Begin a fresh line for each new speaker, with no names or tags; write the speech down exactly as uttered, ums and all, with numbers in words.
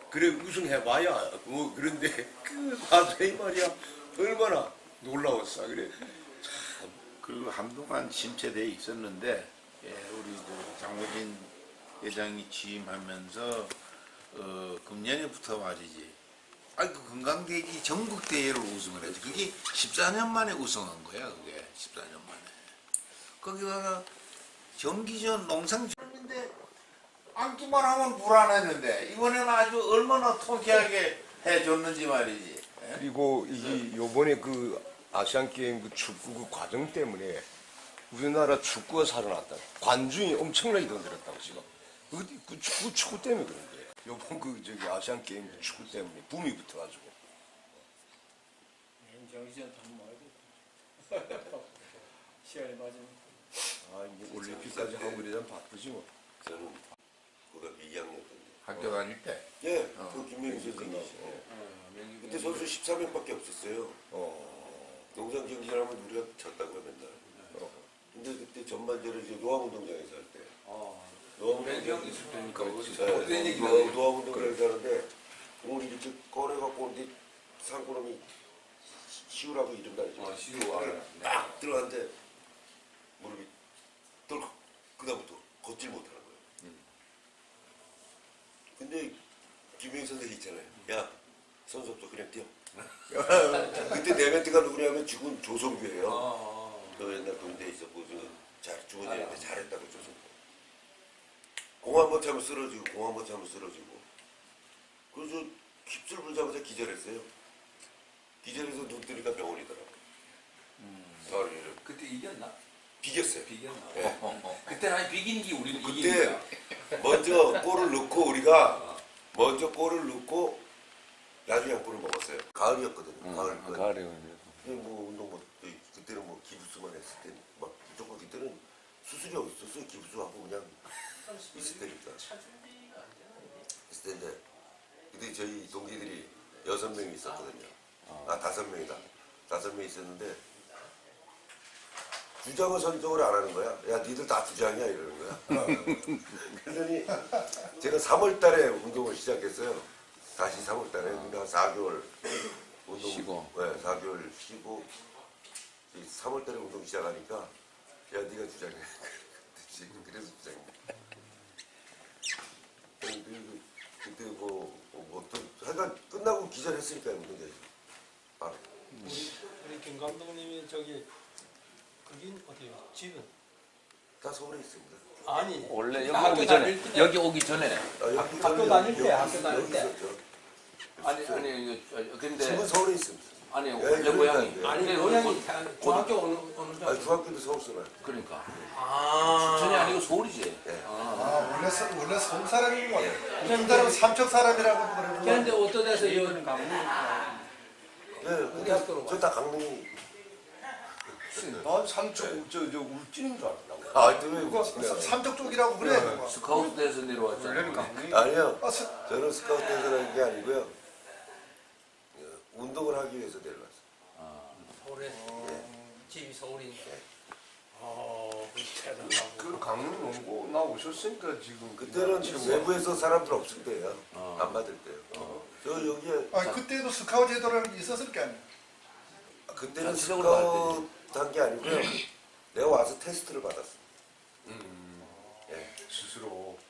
그래 우승해봐야 뭐 그런데 그 가수의 말이야 얼마나 놀라웠어. 그래
그리고 한동안 침체돼 있었는데 예, 우리 그 장호진 회장이 취임하면서 어, 금년에부터 말이지. 아니 그 건강대기 전국 대회를 우승을 했지. 그게 십사 년 만에 우승한 거야. 그게 십사 년 만에. 거기다가 정기전 농상인데 앉기만 하면 불안했는데 이번에는 아주 얼마나 통쾌하게 해줬는지 말이지. 예?
그리고 이게 요번에 그 아시안 게임 그 축구 그 과정 때문에 우리나라 축구가 살아났다. 관중이 엄청나게 던들었다고 지금. 그, 그 축구 축구 때문에 그런 거예요. 요번 그 저기 아시안 게임 그 축구 때문에 붐이 붙어가지고.
정기전 한번 말고 시간이 맞으면.
아 이제 올림픽까지 하고 이러면 바쁘지 뭐.
저는 고등학교 이 학년 때인데.
학교 다닐 때.
예,
어.
그 김명희 선생님이시.
어, 명기-
그때 선수 십사 명밖에 없었어요.
어.
농장 경기하면 우리가 졌다고요 맨날. 어. 근데 그때 전반전을 이제 노암운동장에서 할 때.
어.
노암운동장
있을 때니까
네, 노암- 노암운동장에서 하는데 공을 이렇게 꺼내갖고 오는데 상구놈이 시우라고 이름 달지.
어, 시우 알아요.
딱 들어갔는데 무릎이 덜컥 그다음부터 걷질 못하는 거예요.
음.
근데 김영희 선생님 있잖아요. 야 선수 없어 그냥 뛰어. 그때 내 멘트가 누구냐면 죽은 조성규예요.
어.
너 옛날 군대에 있었고 잘 죽은 애한테 잘했다고 조성규. 공 한 번 차면 쓰러지고 공 한 번 차면 쓰러지고. 그래서 깁스를 불자마자 기절했어요. 기절해서 눈 뜨니까 병원이더라고.
음.
가을이를
그때 이겼나?
비겼어요.
비겼나?
예.
어, 어. 그때는 아니 비기는 게 우리는
그때
이기는 거야.
먼저 골을 넣고 우리가 먼저 골을 넣고 나중에 한 골을 먹었어요. 가을이었거든요. 가을. 그
가을에
근데 뭐 운동 뭐 그때는 뭐 기부스만 했을 때막 무조건 그때는 수술이 어디 있었어요. 기부스하고 그냥 있을 때니까. 있을 텐데 그때 저희 동기들이 여섯 명이 있었거든요. 아 다섯 명이다. 다섯 명이 있었는데 주장을 선정을 안 하는 거야. 야 니들 다 주장이야 이러는 거야. 그러더니 제가 삼월 달에 운동을 시작했어요. 다시 삼월 달에 그러니까 사 개월 운동
쉬고.
네, 사 개월 쉬고 삼월 달에 운동 시작하니까 야 네가 주장해. 그래서 주장해. 그리고 그때 뭐, 뭐 또, 하여간 끝나고 기절했으니까요 운동장에서. 아,
우리, 우리 김 감독님이 저기 거긴 어디요? 집은?
다 서울에 있습니다.
아니
원래 여기
학교
오기 전에
다닐 때.
여기 오기 전에
아, 여기
학교
저는
다닐 때,
여기
학교
있-
다닐
여기
때.
있었죠.
아니 아니 이거 근데
집은 서울에 있습니다.
아니
예,
원래
그러니까
고향이
이제.
아니
근데
고향이
고-
다- 중학교 오는 오는
아,
중.
중학교도 서울 쓰나요?
그러니까
아.
춘천이 아니고 서울이지.
예.
아, 원래, 서, 원래 서울 사람인 거 같아요. 어떤 사람은 삼척 사람이라고 그러는
그런데
거
어떤 데서 이거는 가면
네,
대학교로
저다 강릉이.
난 삼촌 저저 울진인 줄 알았다고.
아, 또왜
그거
울진이야?
삼척 쪽이라고 그래. 그거.
스카우트에서 내려왔잖아.
아니요.
아, 스-
저는 스카우트에서 하는 게 아니고요. 어, 운동을 하기 위해서 내려왔어요.
서울에 집이 서울이니까. 어, 대단하고.
그 강릉 농구 나 오셨으니까 지금
그때는 외부에서 사람들 없을 때예요. 안 받을 때요. 저 여기에
아, 그때도 스카우트 제도라는 게 있었을 게 아니에요.
그때는
전체적으로 봐야
스카우트 한 게 아니고요. 내가 와서 테스트를 받았어.
음,
예.
스스로